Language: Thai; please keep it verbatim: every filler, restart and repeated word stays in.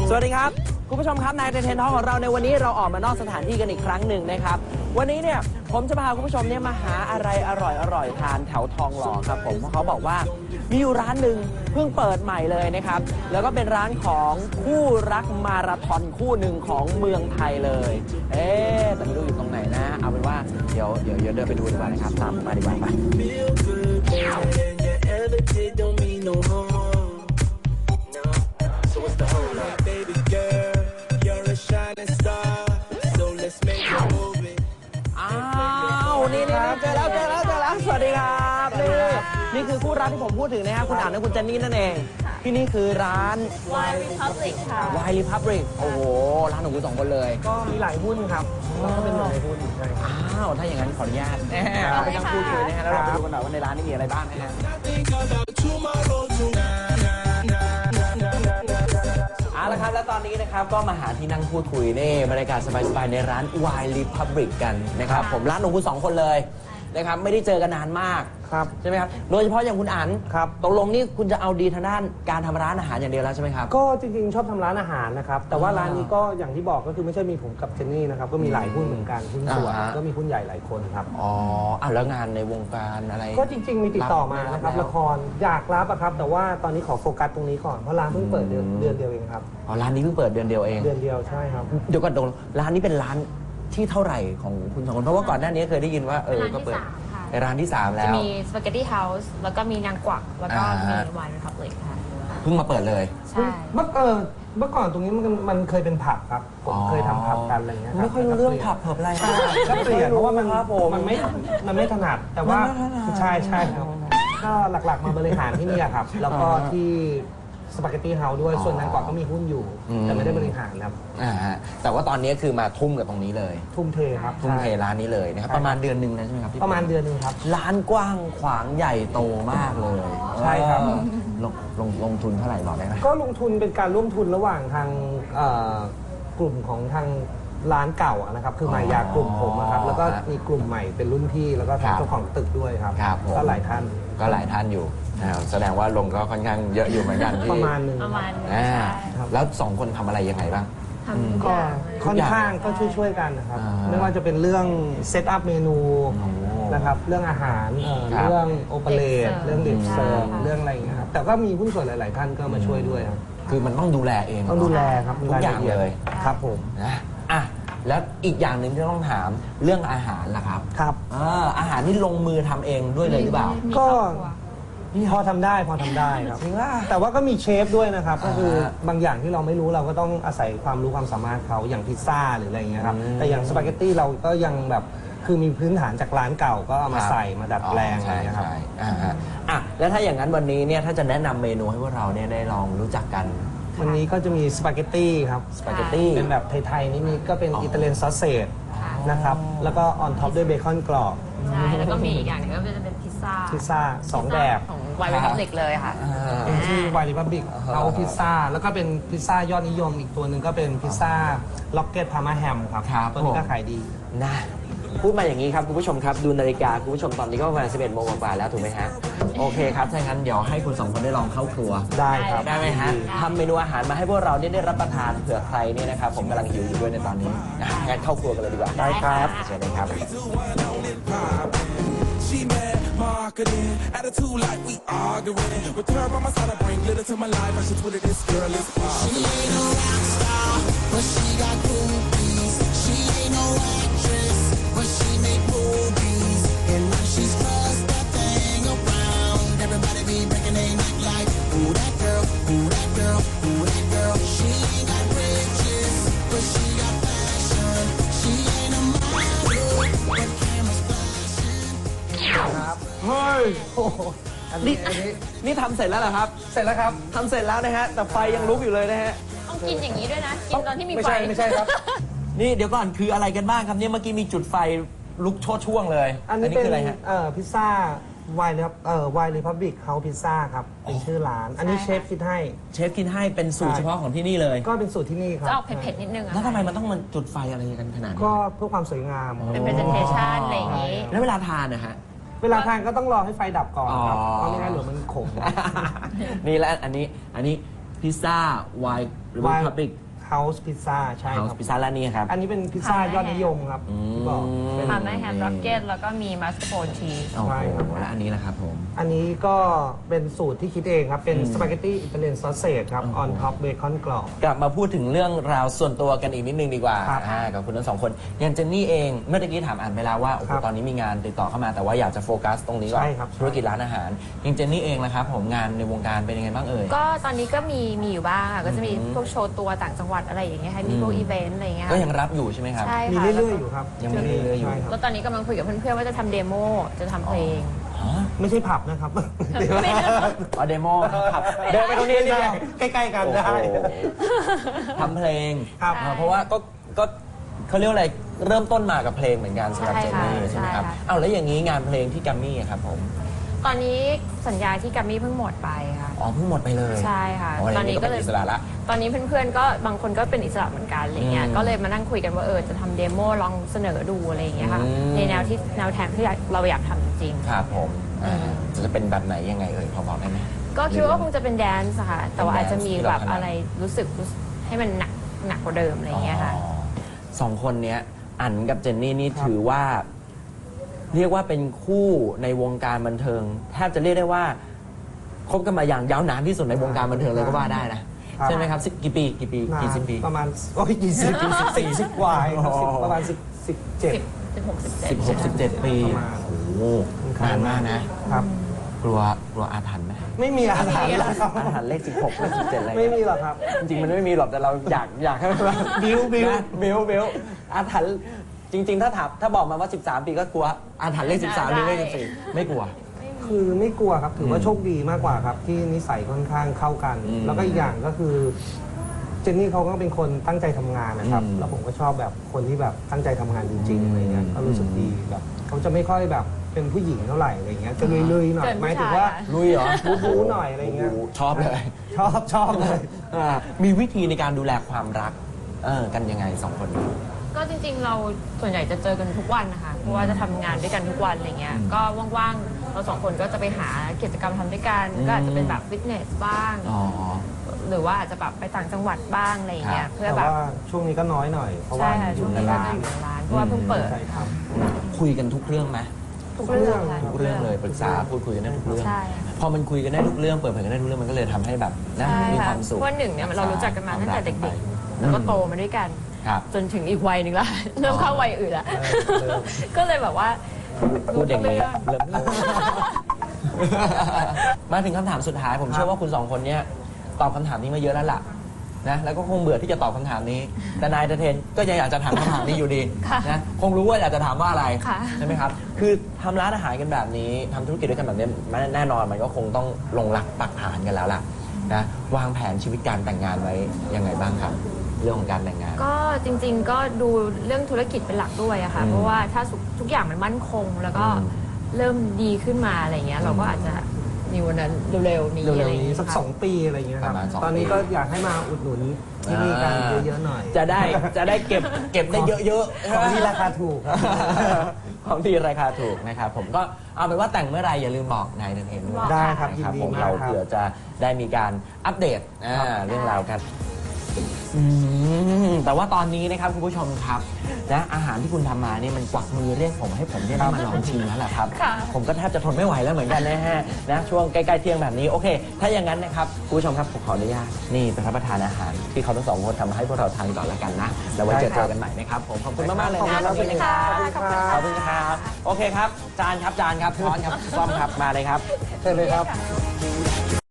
สวัสดีครับคุณผู้ชมครับนายเทนทอของเราในวันนี้เราออกมานอกสถานที่กันอีกครั้งหนึ่งนะครับวันนี้เนี่ยผมจะพาคุณผู้ชมเนี่ยมาหาอะไรอร่อยอร่อยทานแถวทองหล่อครับผมเพราะเขาบอกว่ามีอยู่ร้านหนึ่งเพิ่งเปิดใหม่เลยนะครับแล้วก็เป็นร้านของคู่รักมาราธอนคู่หนึ่งของเมืองไทยเลยเอ๊ะแต่ไม่รู้อยู่ตรงไหนนะเอาเป็นว่าเดี๋ยวเดี๋ยวเดี๋ยวเดินไปดูดีกว่านะครับตามมาดีกว่าไปอ้าวนี่นี่เจอแล้วเจอแล้วเจอแล้วสวัสดีครับนี่นี่คือคู่รักที่ผมพูดถึงนะครับคุณอ่านและคุณเจนนี่นั่นเองที่นี่คือร้าน Wine Republic ค่ะ Wine Republic โอ้โหร้านของคุณสองคนเลยก็มีหลายหุ้นครับแล้วก็เป็นหนึ่งในหุ้นใช่ครับอ้าวถ้าอย่างนั้นขออนุญาตไปนั่งพูดคุยนะฮะแล้วเราไปดูกันหน่อยว่าในร้านนี้มีอะไรบ้างนะฮะเอาละครับแล้วตอนนี้นะครับก็มาหาที่นั่งพูดคุยนี่บรรยากาศสบายๆในร้าน Wine Republic กันนะครับผมร้านของคุณสองคนเลยนะครับไม่ได้เจอกันนานมากครับใช่ไหมครับโดยเฉพาะอย่างคุณอั๋นครับตกลงนี่คุณจะเอาดีทางด้านการทำร้านอาหารอย่างเดียวแล้วใช่ไหมครับก็จริงๆชอบทำร้านอาหารนะครับแต่ว่าร้านนี้ก็อย่างที่บอกก็คือไม่ใช่มีผมกับเจนนี่นะครับก็มีหลายหุ้นเหมือนกันหุ้นส่วนก็มีหุ้นใหญ่หลายคนครับอ๋ออ่ะแล้วงานในวงการอะไรก็จริงๆมีติดต่อมานะครับละครอยากรับอะครับแต่ว่าตอนนี้ขอโฟกัสตรงนี้ก่อนเพราะร้านเพิ่งเปิดเดือนเดือนเดียวเองครับอ๋อร้านนี้เพิ่งเปิดเดือนเดียวเองเดือนเดียวใช่ครับเดี๋ยวก่อนตรงร้านนี้เป็นร้านที่เท่าไหร่ของคุณสองคนเพราะว่าก่อนหน้านี้เคยได้ยินว่าเออก็เปิดในร้านที่สามแล้วจะมีสปาเกตตี้เฮาส์แล้วก็มีนางกวักแล้วก็มี Wine Republic ค่ะเพิ่งมาเปิดเลยใช่เมื่อเออเมื่อก่อนตรงนี้มันมันเคยเป็นผับครับผมเคยทำผับกันอะไรเงี้ยไม่ค่อยรู้เรื่องผับเผิบอะไรก็เปลี่ยนเพราะว่ามันมันไม่มันไม่ถนัดแต่ว่าใช่ใช่ครับก็หลักๆมาบริหารที่นี่ครับแล้วก็ที่สปาเกตตี้เฮาส์ด้วยส่วนนั้นก่อนก็มีหุ้นอยู่แต่ไม่ได้บริหารครับอ่าฮะแต่ว่าตอนนี้คือมาทุ่มกับตรงนี้เลยทุ่มเทครับทุ่มเทร้านนี้เลยนะครับประมาณเดือนหนึ่งนะใช่ไหมครับประมาณเดือนหนึ่งครับร้านกว้างขวางใหญ่โตมากเลยใช่ครับลงลงลงทุนเท่าไหร่บอกได้ไหมก็ลงทุนเป็นการร่วมทุนระหว่างทางกลุ่มของทางร้านเก่านะครับคือมายากลุ่มผมนะครับแล้วก็มีกลุ่มใหม่เป็นรุ่นพี่แล้วก็ทางเจ้าของตึกด้วยครับก็หลายท่านก็หลายท่านอยู่แสดงว่าลงก็ค่อนข้างเยอะอยู่เหมือนกันประมาณนึงประมาณแล้วสองคนทำอะไรยังไงบ้างก็ค่อนข้างก็ช่วยๆกันนะครับไม่ว่าจะเป็นเรื่องเซตอัพเมนูนะครับเรื่องอาหารเรื่องโอเปเรตเรื่องดิฟเซอร์เรื่องอะไรอย่างเงี้ยครับแต่ก็มีหุ้นส่วนหลายๆท่านก็มาช่วยด้วยครับคือมันต้องดูแลเองต้องดูแลครับทุกอย่างเลยครับผมนะอ่ะแล้วอีกอย่างหนึ่งที่ต้องถามเรื่องอาหารล่ะครับครับอาหารนี่ลงมือทำเองด้วยเลยหรือเปล่าก็พอทำได้พอทำได้ครับแต่ว่าก็มีเชฟด้วยนะครับก็คือบางอย่างที่เราไม่รู้เราก็ต้องอาศัยความรู้ความสามารถเขาอย่างพิซซ่าหรืออะไรอย่างเงี้ยครับแต่อย่างสปาเกตตี้เราก็ยังแบบคือมีพื้นฐานจากร้านเก่าก็เอามาใส่มาดัดแปลงอะไรอย่างเงี้ยครับอ่ะแล้วถ้าอย่างนั้นวันนี้เนี่ยถ้าจะแนะนำเมนูให้พวกเราเนี่ยได้ลองรู้จักกันวันนี้ก็จะมีสปาเกตตี้ครับสปาเกตตี้เป็นแบบไทยๆนี่มีก็เป็นอิตาเลียนซอสเซจนะครับแล้วก็ออนท็อปด้วยเบคอนกรอบใช่แล้วก็มีอีกอย่างหนึ่งก็จะเป็นพิซซ่าพิซซ่าสองแบบของ Wine Republic เลยค่ะเป็นที่ Wine Republic เอาพิซซ่าแล้วก็เป็นพิซซ่ายอดนิยมอีกตัวหนึ่งก็เป็นพิซซ่าล็อกเก็ตพาร์มาแฮมครับตัวนี้ก็ขายดีนะพูดมาอย่างนี้ครับคุณผู้ชมครับดูนาฬิกาคุณผู้ชมตอนนี้ก็ประมาณสิบเอ็ดโมงกว่าแล้วถูกไหมฮะโอเคครับถ้างั้นเดี๋ยวให้คุณสองคนได้ลองเข้าครัวได้ครับได้ไหมฮะทำเมนูอาหารมาให้พวกเราได้รับประทานเผื่อใครเนี่ยนะครับผมกำลังหิวอยู่ด้วยในตอนนี้งั้นเข้าครัวกันเลยดีกว่าได้ครับเชิญเลยครับ She mad, marketing, attitude like we arguing. With her by my side, I bring glitter to my life. I should Twitter this girl is awesome. She ain't no rock star, but she got groupies. She ain't no actress, but she make movies. And when she's crossed that thing around, everybody be breaking their neck like, who that girl, who that girl, who that girl. She ain't got riches, but she got passion. She ain't a model, but cameras flashing. ครับเฮ้ยนี่นี่ทำเสร็จแล้วเหรอครับเสร็จแล้วครับทำเสร็จแล้วนะฮะแต่ไฟยังลุกอยู่เลยนะฮะต้องกินอย่างนี้ด้วยนะกินตอนที่มีไฟไม่ใช่ไม่ใช่ครับนี่เดี๋ยวก่อนคืออะไรกันบ้างครับเนี่ยเมื่อกี้มีจุดไฟลุกโชดช่วงเลยอันนี้เป็นอะไรฮะเอ่อพิซซ่า Wine ครับเอ่อ Wine Republic House Pizza ครับเป็นชื่อร้านอันนี้เชฟคิดให้เชฟคิดให้เป็นสูตรเฉพาะของที่นี่เลยก็เป็นสูตรที่นี่ครับจะออกเผ็ดๆนิดนึงแล้วทำไมมันต้องมันจุดไฟอะไรกันขนาดนี้ก็เพื่อความสวยงามเป็น presentation อะไรอย่างนี้แล้วเวลาทานนะฮะเวลาทานก็ต้องรอให้ไฟดับก่อนครับเพราะไม่งั้นเดี๋ยวมันขมนี่และอันนี้อันนี้พิซซ่าวายหรือว่าพับบิก House Pizza ใช่เฮาครับส์พิซซ่าร้านนี้ครับอันนี้เป็นพิซซ่ายอดนิยมครับที่บอกเป็นทำได้แฮมร็อกเก็ตแล้วก็มีมัสโคนชีสโอ้โหใช่ครับแล้วอันนี้ล่ะครับผมอันนี้ก็เป็นสูตรที่คิดเองครับ เป็นสปาเกตตี้อิตาเลียนซอสเซจครับ ออนท็อปเบคอนกรอบกลับมาพูดถึงเรื่องราวส่วนตัวกันอีกนิดนึงดีกว่าครับอ่ากับคุณทั้งสองคนอย่างเจนนี่เองเมื่อกี้ถามอ่านไปแล้วว่าโอ้โหครับตอนนี้มีงานติดต่อเข้ามาแต่ว่าอยากจะโฟกัสตรงนี้ก่อนใช่ครับธุรกิจร้านอาหารอย่างเจนนี่เองนะครับผมงานในวงการเป็นยังไงบ้างเอ่ยก็ตอนนี้ก็มีมีอยู่บ้างค่ะก็จะมีอืมพวกโชว์ตัวต่างจังหวัดอะไรอย่างเงี้ยค่ะมีพวกอืมอีเวนต์อะไรอย่างเงี้ยก็ยังรับอยู่ใช่ไหมครับใช่มีค่ะเรื่อยๆอยู่ครับยังมีเรื่อยๆอยู่ใช่ครับแล้วตอนนี้กำลังคุยกับเพื่อนๆว่าจะทำเดโมจะทำเพลงอ๋อไม่ใช่ผับนะครับไม่ได้อ๋อเดโมครับเดินไปตรงนี้นี่ไงใกล้ๆกันโอ้ได้โหทำเพลงครับอ่าเพราะว่าก็ก็เขาเรียกว่าอะไรเริ่มต้นมากับเพลงเหมือนกันสำหรับใช่เจนค่ะนี่ใช่ไหมครับใช่ค่ะอ้าวแล้วอย่างนี้งานเพลงที่แกัมมี่อะครับผมตอนนี้สัญญาที่กัมมี่เพิ่งหมดไปค่ะอ๋อเพิ่งหมดไปเลยใช่ค่ะอ๋อตอนนี้ก็ก็เป็นเลยอิสระละตอนนี้เพื่อนๆก็บางคนก็เป็นอิสระเหมือนกันอะไรเงี้ยอืมก็เลยมานั่งคุยกันว่าเออจะทำเดโมลองเสนอดูอะไรอย่างเงี้ยค่ะอืมในแนวที่แนวแทนที่เราอยากทำจริงครับผมอ่าอืมจะเป็นแบบไหนยังไงเอ่ยพอบอกได้ไหมๆก็คิดว่าคงจะเป็นแดนซ์ค่ะ แต่ว่าอาจจะมีแบบเป็นแดนซ์ที่เราถนัดอะไรรู้สึกรู้สึกให้มันหนักหนักกว่าเดิมอะไรอย่างเงี้ยค่ะอ๋อสองคนเนี้ยอันกับเจนนี่นี่ครับถือว่า เรียกว่าเป็นคู่ในวงการบันเทิง แทบจะเรียกได้ว่าคบกันมาอย่างยาวนานที่สุดในวงการบันเทิงเลยก็ว่าได้นะครับใช่ไหมครับสิบกี่ปีกี่ปีกี่สิบปีประมาณโอ้ยกี่สิบกี่สิบสี่สิบกว่าเองครับสิบอ๋อประมาณสิบสิบเจ็ดสิบหกสิบเจ็ดสิบหกสิบเจ็ดปีประมาณโอ้โหนานมากนะครับกลัวกลัวอาถรรพ์ไหมไม่มีอาถรรพ์หรอกครับอาถรรพ์เลขสิบหกเลขสิบเจ็ดอะไรไม่มีหรอกครับจริงๆมันไม่มีหรอกแต่เราอยากอยากให้มันแบบบิ้วบิ้วนะบิวบิวอาถรรพ์จริง ๆ ถ้าถามถ้าบอกมาว่าสิบสามปีก็กลัวอาถรรพ์เลขสิบสามหรือเลขสิบสี่ไม่กลัวคือไม่กลัวครับ ถือว่าอืมโชคดีมากกว่าครับ ที่นิสัยค่อนข้างเข้ากันอืมแล้วก็อีกอย่างก็คือ เจนนี่เขาก็เป็นคนตั้งใจทำงานนะครับอืมแล้วผมก็ชอบแบบคนที่แบบตั้งใจทำงานจริงๆอะไรเงี้ยอืมก็รู้สึกดีแบบเขาจะไม่ค่อยแบบเป็นผู้หญิงเท่าไหร่อะไรเงี้ย จะลุยๆหน่อยเกินผู้หมายถึงชายว่าอะลุยเหรอบู๊ๆหน่อยอะไรเงี้ยโโหชอบเลยชอบชอบเลยอ่ามีวิธีในการดูแลความรักเออกันยังไงสองคนนี้ก็จริงๆ เราส่วนใหญ่จะเจอกันทุกวันนะคะ เพราะว่าจะทำงานด้วยกันทุกวันอะไรเงี้ยอืมก็ว่างๆ เราสองคนก็จะไปหากิจกรรมทำด้วยกันอืมก็อาจจะเป็นแบบฟิตเนสบ้างอ๋อหรือว่าอาจจะแบบไปต่างจังหวัดบ้างอะไรเงี้ครัยบเพื่อแต่แบบว่าช่วงนี้ก็น้อยหน่อย เพราะว่าใช่ค่ะอช่วยู่งในนี้ก็ร้าจะนอยู่ในร้านเพราะว่าเพิ่งเปิดใช่ครับคุยกันทุกเรื่องไหมทุกเรื่องค่ะทุกเรื่องเลยปรึกษาพูดคุยกันได้ทุกเรื่องใช่พอมันคุยกันได้ทุกเรื่องเปิดเผยกันได้ทุกเรื่องมันก็เลยทำให้แบบนะใช่มีคค่ะวามสุขเพราะว่าหนึ่งเนี่ยเรารู้จักกันมาตั้งแต่เด็กๆ แล้วก็โตมาด้วยกันครับจนถึงอีกวัยหนึ่งละ เริ่มเข้าวัยอื่นละเริ่มก็เลยแบบว่าพูดอย่างนี้รู้ทุกเรื่องเริ่ม มาถึงคำถามสุดท้าย ผมเชื่อว่าคุณสองคนเนี้ยตอบคำถามนี้มาเยอะแล้วล่ะนะแล้วก็คงเบื่อที่จะตอบคำถามนี้ แต่นายเตเทนก็ยังอยากจะถามคำถามนี้อยู่ดีค่ะนะคงรู้ว่าอยากจะถามว่าอะไรค่ะใช่ไหมครับ คือทำร้านอาหารกันแบบนี้ทำธุรกิจด้วยกันแบบนี้มันแน่นอนมันก็คงต้องลงหลักปักฐานกันแล้วล่ะนะวางแผนชีวิตการแต่งงานไว้ยังไงบ้างครับ เรื่องของการแต่งงานก็จริงๆ ก็ดูเรื่องธุรกิจเป็นหลักด้วยอะค่ะอืมเพราะว่าถ้าทุกอย่างมันมั่นคง แล้วก็อืมเริ่มดีขึ้นมาอะไรเงี้ย เราก็อาจจะมีวันนั้นเร็วๆนี้เร็อะไรวๆเงี้นี้ยสักค่ะสองปีอะไรเงี้ยครับประมาณสองตอนนี้ปีก็อยากให้มาอุดหนุนที่นี่กันเยอะๆหน่อยจะได้จะได้เก็บเก็บได้เยอะๆของที่ราคาถูกครับของที่ราคาถูกนะครับผมก็เอาเป็นว่าแต่งเมื่อไหรอย่าลืมบอกนายเดนเทนด้วยได้ครับนะยินดีผมมากเราครับเผื่อจะได้มีการอัปเดตอ่าครับเรื่องราวกันอืมแต่ว่าตอนนี้นะครับคุณผู้ชมครับนะอาหารที่คุณทำมานี่มันกวักมือเรียกผมให้ผมได้มาลองชิมแล้วแหละครับค่ะผมก็แทบจะทนไม่ไหวแล้วเหมือนกันนะฮะนะช่วงใกล้ๆเที่ยงแบบนี้โอเค ถ้าอย่างนั้นนะครับคุณผู้ชมครับผมขออนุญาตนี่ไปรับประทานอาหาร ที่เขาทั้งสองคนทำมาให้พวกเราทานก่อนละกันนะแล้วไว้เจอเจอกันใหม่นะครับผมขอบคุณมากๆเลยนะขอบคุณค่ะขอบคุณครับขอบคุณครับ โอเคครับ จานครับ จานครับ ช้อนครับ ซ่อมครับ มาเลยครับเชิญเลยครับค่ะ